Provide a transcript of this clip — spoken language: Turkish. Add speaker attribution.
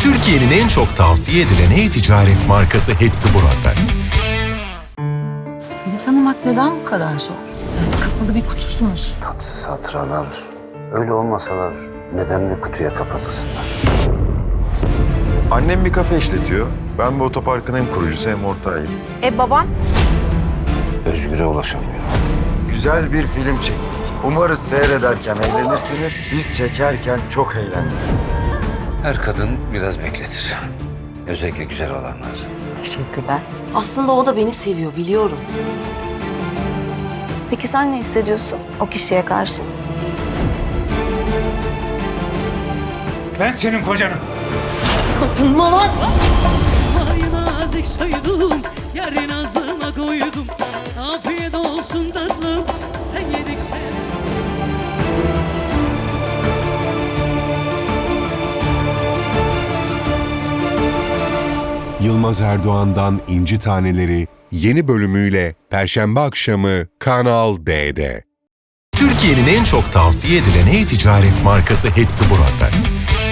Speaker 1: Türkiye'nin en çok tavsiye edilen e-ticaret markası hepsi burada.
Speaker 2: Sizi tanımak neden bu kadar zor? Yani kapalı bir kutusunuz.
Speaker 3: Tatsız hatıralar, öyle olmasalar neden bir kutuya kapatılsınlar?
Speaker 4: Annem bir kafe işletiyor. Ben bu otoparkın hem kurucusu hem ortağıyım.
Speaker 5: Baban?
Speaker 3: Özgür'e ulaşamıyor.
Speaker 6: Güzel bir film çektik. Umarız seyrederken eğlenirsiniz. Biz çekerken çok eğlendik.
Speaker 3: Her kadın biraz bekletir. Özellikle güzel olanlar.
Speaker 2: Teşekkürler.
Speaker 7: Aslında o da beni seviyor, biliyorum.
Speaker 5: Peki sen ne hissediyorsun o kişiye karşı?
Speaker 8: Ben senin kocanım.
Speaker 7: Dokunma lan!
Speaker 9: Ay nazik soydum, yarın ağzıma koydum. Afiyet olsun tatlım, sen yedikçe.
Speaker 1: Yılmaz Erdoğan'dan İnci Taneleri yeni bölümüyle Perşembe akşamı Kanal D'de. Türkiye'nin en çok tavsiye edilen e-ticaret markası hepsi burada.